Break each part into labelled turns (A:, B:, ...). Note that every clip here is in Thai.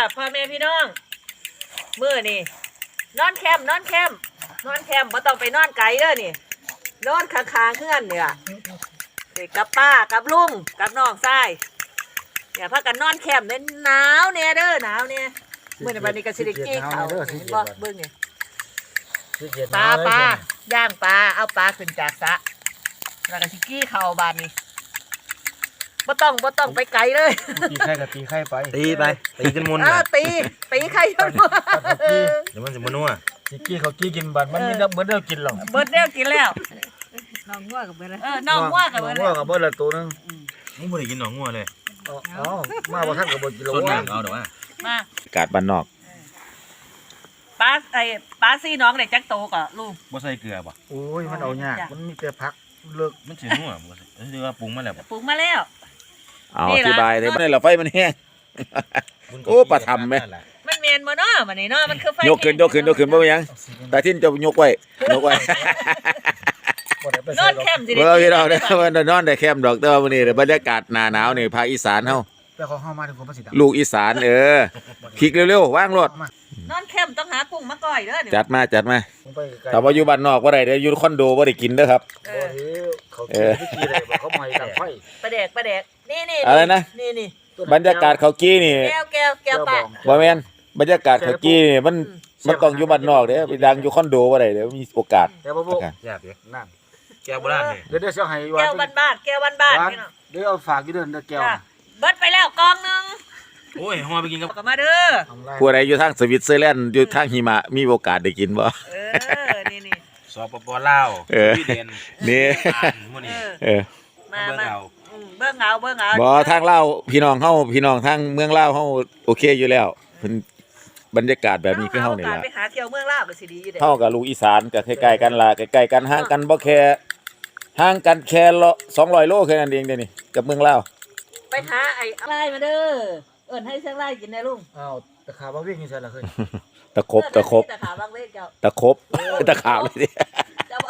A: พ่อแม่พี่น้องมื้อนี่นอนแคมป์บ่ต้องไปนอนไกลเด้อนี่นอนข้างๆเฮือนเนี่ยกับป้ากับลุงกับน้องชายพากันนอนแคมป์เนี่ยหนาวแน่เด้อหนาวแน่มื้อนี้บัดนี้ก็สิได้กี้ข้าวเห็นบ่เบิ่งนี่ปลาย่างปลาเอาปลาขึ้นจากสระแล้วก็สิกี้ข้าวบาดนี้บ่ต้องไปไกลเลย
B: ตีไข่กับตีไข่ไป
C: ตีจนมุน
A: ตีไข่จนมุน
C: เดี๋ยวมันจะมันนัว
B: กี้เขากี้กินบัดมันมีน้ำเบิดเดียวกินหรอก
A: เบิดเดียวกินแล้ว
D: น้องงัวกับเบิดแล้ว
A: น้องงัวกับเบิดแล้ว
B: กับเบิดละตัวนึง
C: มึงไม่ได้กินหนองงัวเลย
B: มาบ่ทันกับบ่กินแล้ว
C: ว่าเอาเดี๋ยวว่
A: มาก
E: าดบ้านนอก
A: ปลาซี่น้องได้จักโตก็ลูก
C: บ่ใส่เกลือป่ะ
B: โอ้ยมันเอายากมันมีแต่ผักเลิก
C: มันสินัวบ่ใส่คือว่าปรุงมาแล้ว
A: ปรุงมาแล้ว
E: เอาอธิบายเลยมันเราไฟมันแห้งโอ้ปลาทำไหม
A: มันเมียนบ่เนาะมันนี่เนาะมันคือไฟ
E: ยกขึ้นบ่ยังตาทิ้นจะยกไว้
A: นอนแคมป์สิ
E: พี่น้องเนี่ยมันนอนได้แคมป์ดอกแต่ว่าวันนี้บรรยากาศหนาหนาวนี่ภาคอีสานเฮา
B: แต่ของเฮามาถึงคนภาษี
E: ลูกอีสานคลิกเร็วๆว่างรถ
A: นอนแคมป์ต้องหากุ้งมาก่อยเด้อ
E: จัดมาแต่ว่าอยู่บ้านนอกบ่ได้เด้ออยู่คอนโดบ่ได้กินเด้อครับ
B: เขาขี้อะไรเขาใหม่ดังไฟ
A: ปลาแดกนี่
E: อะไรนะ
A: นี่
E: บรรยากาศเขากี้นี่
A: แก้วปะ
E: บ่แม่นบรรยากาศเขากี้นี่มันต้องอยู่บ้านนอกเด้อไปดังอยู่คอนโดบ่ได้เด้อมีโอกาส
B: แก้วบ่
C: แซ่บเด้นั่นแก้วโบราณนี่
B: เดี๋ยวเสียให้
A: แก้วบ้านพี่น้อง
B: เดี๋ยวเอาฝากอยู่เด้อแก้ว
A: เบิดไปแล้วกองนึง
C: โอ้ยเฮาไปกินกับ
A: มาเด้อ
E: ผู้ใดอยู่ทางสวิตเซอร์แลนด์อยู่ทางหิมะมีโอกาสได้กินบ่
A: นี่
C: สปปลาวพี่เด่น
E: นี่
C: มื้อนี้
A: มาเบิ่งเอา
E: บ่ทางลาวพี่น้องทางเมืองลาวเฮาโอเคอยู่แล้วเพิ่นบรรยากาศแบบนี้คือเฮานี่ล่ะ
A: ไปหาเที่ยวเมืองลาวก็สิดีอยู่เด้
E: เฮากับลูกอีสานก็ใกล้ๆกันล่ะใกล้ๆกันห่างกันบ่แค่ห่างกันแค่200 โลแค่นั้นเองเด้นี่กับเมืองลาว
A: ไปหาไอ้ไล่มาเด้อเอิ้นให้เสียงไล่กินได้ลุง
B: อ้าวตะขาบางเวกนี่ใช่ล่ะเคย
E: ตะครบ
A: ตะขาบางเวกเจ้า
E: ตะครบตะขาบเลยดิ
A: เจ้าบ่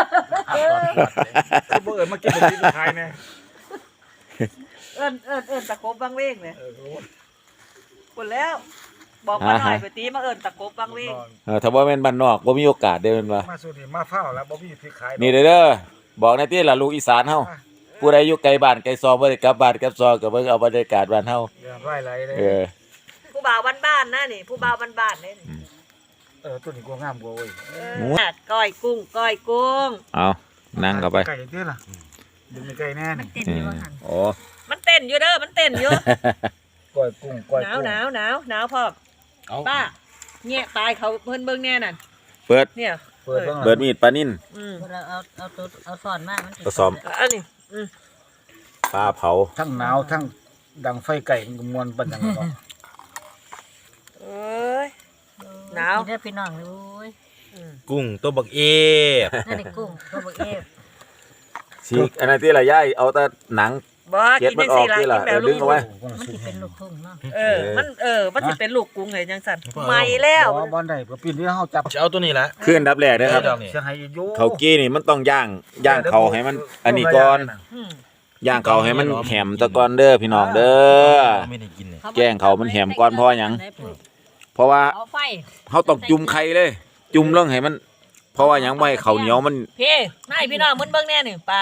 B: บ่เอิ้นมากินบ่กินขายแน่
A: เอิ้นตะครบบางเวกเนี่ยพุ่นแล้วบอกมาหน่อยไปตีมาเอิ้นตะครบบางเวก
E: ถ้าบ่แม่นบ้านนอกบ่มีโอกาสได้แม่นว่า
B: มาสุดนี่มาเฝ้าแล้วบ่มีที่ขาย
E: นี่เด้อบอกในที่ล่ะลูกอีสานเฮาผู้ใดอยู่ไกลบ้านไกลซอบ่ได้กลับบ้านกลับซอก็เบิ่งเอาบรรยากาศบ้านเฮา
B: ไร่ไรเลย
A: ผู้บ่าวบ้านๆนะนี่ผู้บ่าวบ้านๆนี่
B: ตัวนี้กลัวงามกว่าเว้ย
A: ก้อยกุ้ง
E: เอานั่งเข้าไป
B: ไก่เด้อล่ะดึงไก่แน่นี่
D: มันเต้นอยู่ว่าหั่น
E: โอ้
A: มันเต้นอยู่เด้อมันเต้นอยู่
B: ก้อยกุ้ง
A: หนาวพ่อป้าแงะตายเขาเพิ่นเบิ่งแน่นั่น
E: เปิด
A: เนี่ย
E: เปิดมีดปลานิ่น
D: เราเอาสอนมามัน
E: ผสม
A: อันนี้
E: ปลาเผา
B: ทั้งหนาวทั้งดังไฟไก่มวนปันอย่างเนาะ
A: เอ้ยหนาว
D: เด้อพี่น้องโอ้ย
C: กุ้งตัวบักเอฟ
D: นั่นกุ้งตัวบักเอฟ
E: ฉีกอันนั้นที่ละย่ายเอาแต่หนัง
A: บ่กินได้สิล่ะกินแบบลูกกุ้ง
D: มันสิเป็นลูกกุ้งเนาะ
A: มันสิเป็นลูกกุ้งไงจังซั่นใหม่แล้ว
B: บ่ได้ก็ปีนี้เฮาจับ
C: จะเอาตัวนี้ล่ะ
E: ขึ้นดับแรกเด้อครับเขากี้นี่มันต้องย่างเขาให้มันอันนี้ก่อนย่างเขาให้มันแหมตะกอนเด้อพี่น้องเด้อแกงเขามันแหมก่อนเพราะหยังเพราะว่าเขาต้องจุ่มไข่เลยจุ่มลงให้มันเพราะว่าหยังไม่เขาเหนียวมัน
A: พี่น้องมันเบิ่งแน่นี่ปลา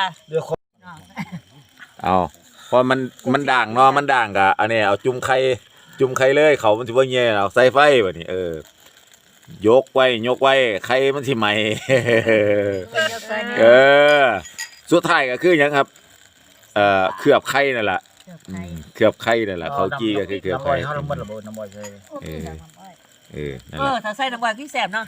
E: เอาพอมันด่างเนาะมันด่างกะอันนี้เอาจุ่มไข่เลยเขามันสิบ่แย่เอาใส่ไฟบัดนี้ยกไว้ไข่มันสิใหม่สุดท้ายก็คือหยังครับเคลือบไข่นั่นแหละเคลือบไข่นั่นแหละเขากี้ก็คือเคลือบไข่
B: เขาลงมันระเบิดน้ำบ่อยใช่
E: นั่นแหละ
A: ถ้าใส่น้ำบ่อยพี่แสบเนาะ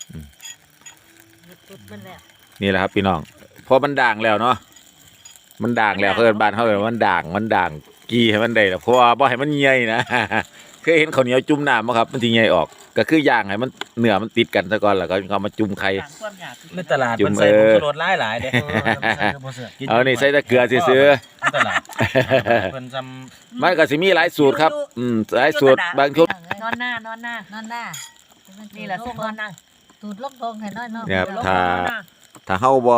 E: นี่แหละครับพี่น้องพอมันด่างแล้วเนาะมันด่างแล้วเพื่อนบ้านเขาเลยมันด่างกี้ให้มันได้แล้วเพราะว่าบ่ให้มันใหญ่นะเคยเห็นข้าวเหนียวจุ่มน้ำมั้ยครับมันสิใหญ่ออกก็คือย่างให้มันเนื้อมันติดกันซะก่อนแล้วก็เอามาจุ่มไข่
C: ในตลาดมันใส่ผงชูรสหลายๆเด้
E: เอานี่ใส่แต่เกลือซื่อ
C: ตลาดเพิ่นซ้
E: ำมันก็สิมีหลายสูตรครับหลายสูตรบางชุด
A: นอนหน้านี่แหละนอนหน้า
D: ตูดลกทงให้น้อยเนาะ
E: เนี่ยถ้าเฮาบ่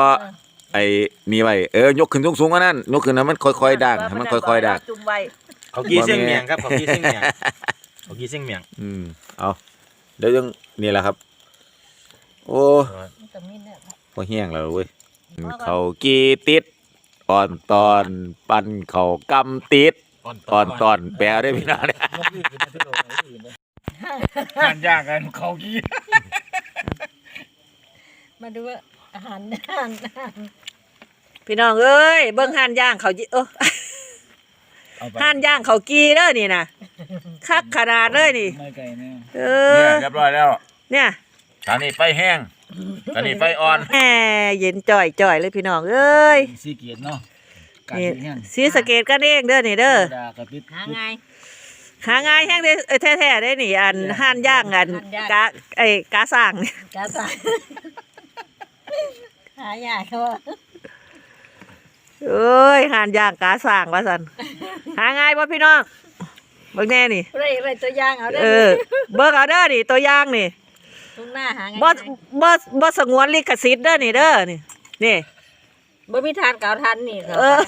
E: ไอ้นี่ไว้ยกขึ้นสูงๆกว่านั้นยกขึ้นให้มันค่อยๆด่างให้มันค่อยๆด่าง
C: เขากี้เสียงเมียงครับเขากี้เสียงเมียงเขากี้เสียงเมียง
E: เอาเดี๋ยวยังนี่แหละครับ โอ้
D: มันก็มีเนี่ย
E: พอแห้งแล้วเว้ยเขากีติดอ่อนตอนปั้นเขากำติดอ่อนตอนแปลได้พี่น้องเนี่ย
B: งานยากกันเขากี้
D: มาดูว่าอาหาร
A: พี่น้องเอ้ยเบิ่งห่านย่างเขาห่านย่างเขากีเด้อนี่นะคักขนาดเลยนี่
B: ไม่ไกลแน่
A: เอ
E: เนี่ย
A: อ
E: เรียบร้อยแล้ว
A: เนี่ย
E: ตอนนี้ไฟแห้งตอนนี้ไฟอ่อน
A: แหมเย็นจ่อยเลยพี่น้องเอ้ย
B: สีเกียรติเนาะ
A: นี่สีสะเกตกันเองเด้อนี่เด้อ
B: ดากระปิด
D: หาไง
A: หาง่ายแห้งได้แท้ๆได้นี่อันห่านย่างอันกาสร้างนี่
D: กาตายหายากเขาว่า
A: เอ้ยห่านย่างกาสร้างว่าซั่นหาง่ายบ่พี่น้องเบิ่งแน่นี่
D: ไรตัวอย่างเอาได้
A: เออเบิ่งเอาเด้อนี่ตัวอย่างนี่
D: ตรงหน้าหาไง
A: บ่สงวนลิขสิทธิ์เด้อนี่เด้อนี่นี่
D: บ่มีทานเก่าทันนี่ครับ
A: เออ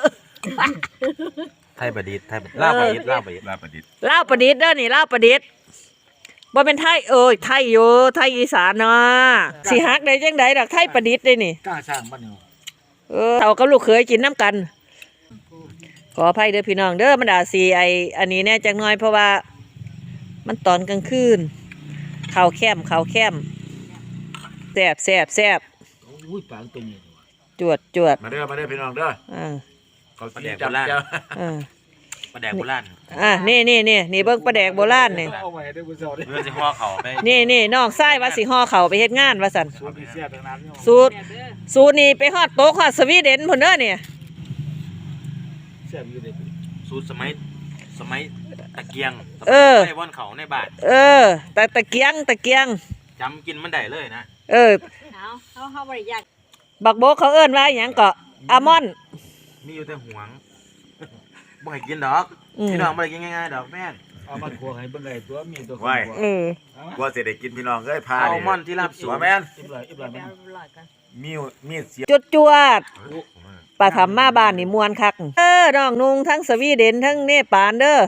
C: ไทยประดิษฐ์ไทยลาวประดิษฐ์ลาวประดิษฐ์ลาวประดิษฐ์
A: ลาวประดิษฐ์เด้อนี่ลาวประดิษฐ์บ่เป็นไทยเอ้ยไทยอยู่ไทยอีสานเนาะสิฮักได้จังไดดอกไทยประดิษฐ์ได้นี่
B: กล้าสร้างบ้านเนาะ
A: เฒ่ากับลูกเขยกินน้ำกัน ขออภัยเด้อพี่น้องเด้อมันอาจสิอันนี้แน่จักหน่อยเพราะว่า มันตอนกลางคืนข้าวแคมแซ่บ
B: อุ้ยปางตัวนี้
A: จวด
E: มาเด้อพี่น้องเด้อ
A: เขา
C: ประแดกโบราณ
A: อ่า
C: ประแดกโบราณ
A: นี่เบิ่งปลาแดกโบราณนี่
B: เอาไว้ได้บุษราได้
C: เพื่อจะห่อเขาไป
A: นี่น้องชายว่าสิห่อเขาวไปเฮ็ดงานว่าซั่น
B: สูตรพิเศษทางนั้นเนาะ
A: สูตรนี่ไปฮอดโต๊ะฮอดสวีเดนพุ่นเด้อเนี่ย
B: แซ่บอยู่เลย
C: สูตรสมัยตะเกียงในว่อนเขาในบาท
A: ตะเกียง
C: จำกินมันได้เลยนะ
D: เขาบริยาก
A: บักโบกเขาเอิ้นว่าหยังก็อัลมอนด์
C: มีอยู่แต่หวงบ่ให้กินดอก
A: อืม
C: พี่น้องบ่ได้กินง่ายๆดอกแม่น
B: เอามาขัวให้เบิ่งไอ้ตัวมีตัว
E: ไว้
B: ขัว
E: ว่าสิได้กินพี่น้องเอ้ยพา
C: อัลมอนด์ที่ลาบสู
E: หัว
C: ง
E: แม่น
B: อิบลายมัน
E: มีดเสียบ
A: จวดป้าทำมาบ้านนี่ม่วนคักน้องนุงทั้งสวีเดนทั้งเนปาลเด้อ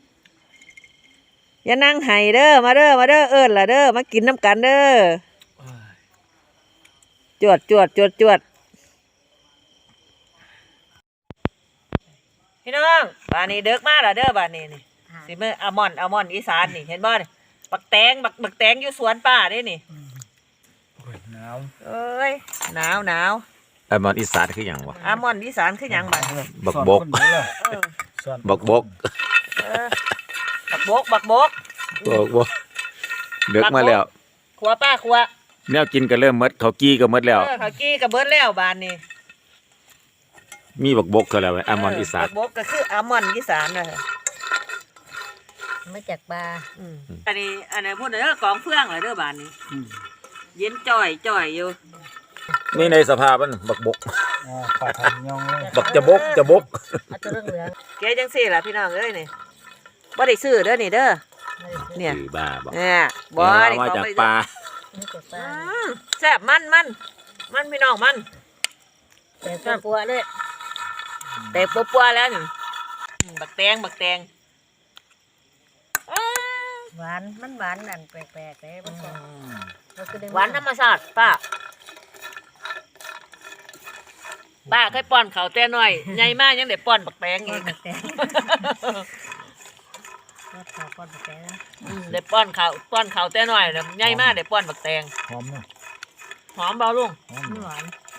A: อย่านั่งไห้เด้อมาเด้อเอิ้นล่ะเด้อมากินน้ำกันเด้อจวดพี่น้องบ้านนี้เด็กมาแล้วเด้อบ้านนี้นี่สิมื้ออัลมอนด์อีสานนี่เห็นบ่นี่บักแตงอยู่สวนป้าเด้นี่
B: หนาว
A: เอ้ยหนาว
E: ไอ้มอนอีสานคือหยังวะ
A: อัลมอนด์อีสานคือหยังบัด
E: บักบก
A: เออ
E: บักบก
A: บักบก
E: บักบกเด็กมาแล้ว
A: ขัวป้าขัว
E: แนวกินก็เริ่มหมดเขากี้ก็หมดแล้ว
A: เขากี้กับเบิดแล้วบ้านนี้
E: มีบักบกก็แล้วไอ้มอนอีสาน
A: บักบกก็คืออัลมอนด์อีสานนะ
D: มาจากปลา
A: อันนี้พูดเด้อกองเฟืองเหรอเด้อบ้านนี้ เย็นจ่อยอยู่
E: นี่ในสภาพมันบักบก
B: ปลาทำยองเลย
E: บักจะบก
D: เอาตัวเหลือง
A: แกจังซี่ล่ะพี่น้องเอ้ยนี่บ่ได้ซื้อเด้อนี่เด้อเนี่ย
E: คือบ้าบอก
A: เนี่ยบ่
E: เอา
A: ได้
E: มา
A: ของ
E: จาก
A: ไป
E: ปลา
D: นี่จากปลา
A: แซ่บมันพี่น้องมัน
D: แต่ปัวเลย
A: แต่ปัวๆแล้วนี่บักแตง
D: หวานมันหวานนั่นแปลกๆเลยมัน
A: หวานธรรมชาติป้าเคยป้อนเขาวแต่น้อยใหญ่มากยังได้ป้อนบักแตงอีก
D: แตงก็ขาวก้อนแตงนะ
A: ได้ป้อนเขาวแต่น้อยแล้วใหญ่มากได้ป้อนบักแตง
B: หอมเนาะ
A: หอมเบาลุง
B: หอม
D: หวาน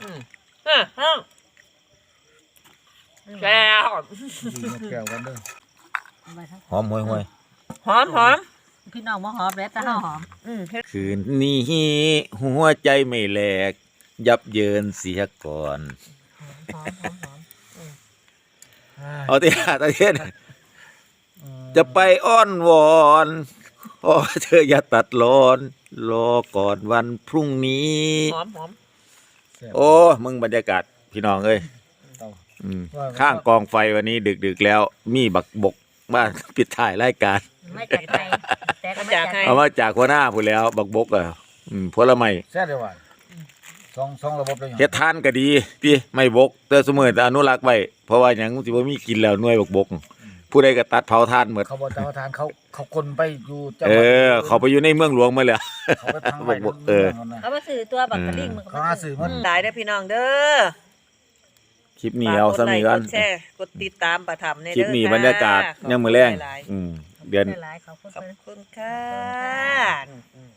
A: แก้ว
B: ดีมาแก้วกันเด้อ
E: หอมห่วย
A: หอม
D: พี่น้องมาหอมแล้วแต่ห้าหอม
E: คืนนี้หัวใจไม่แหลก ยับเยินเสียก่อน
D: หอม
E: เอาที่ตะเทียนจะไปอ้อนวอนขอเธออย่าตัดรอนรอก่อนวันพรุ่งนี้
A: หอม
E: โอ้มึงบรรยากาศพี่น้องเอ้ยข้างกองไฟวันนี้ดึกๆแล้ว มีบักบกบ้านปิดถ่ายรายการ
D: ไม่จากไทยแต่ก็ไม่จากไทย
E: เอามาจากหัวหน้าพูดแล้ว บักบกอ่ะผลไม้
B: แซ่บเลยว่ะสองระบบเลย
E: เฮ็ดทานก็ดีพี่ไม่บกแต่เสมอแต่อนุรักษ์ไว้เพราะว่าหยังสิบ่มีกินแล้วหน่วยบักบกผู้ใดก็ตัดเผาทานหมด
B: เขาบอกเจ้าทานเขาคนไปอยู่จังห
E: เอ
B: วัด
E: อเขาไปอยู่ในเมืองหลวงมาแล้ว
B: เขาไปพังไว้
E: เออ
D: เขามาซื้อตัวบักกะลิ่งมันก็
B: เขาหาซื้อมัน
A: หลายเด้อพี่น้องเด้อ
E: คลิปนี้เอาซะมีกัน
A: ฝกกดไลค์กดแชร์กดติดตามประทับใน
E: คลิป
A: เด้อ
E: นี้
A: ค่ะ
E: บรรยากาศ
A: ขอบคุณ
E: ยามมื้อแลง
A: หลายๆ
E: เดือน
D: หลายๆเขา
A: ขอบคุณค่ะ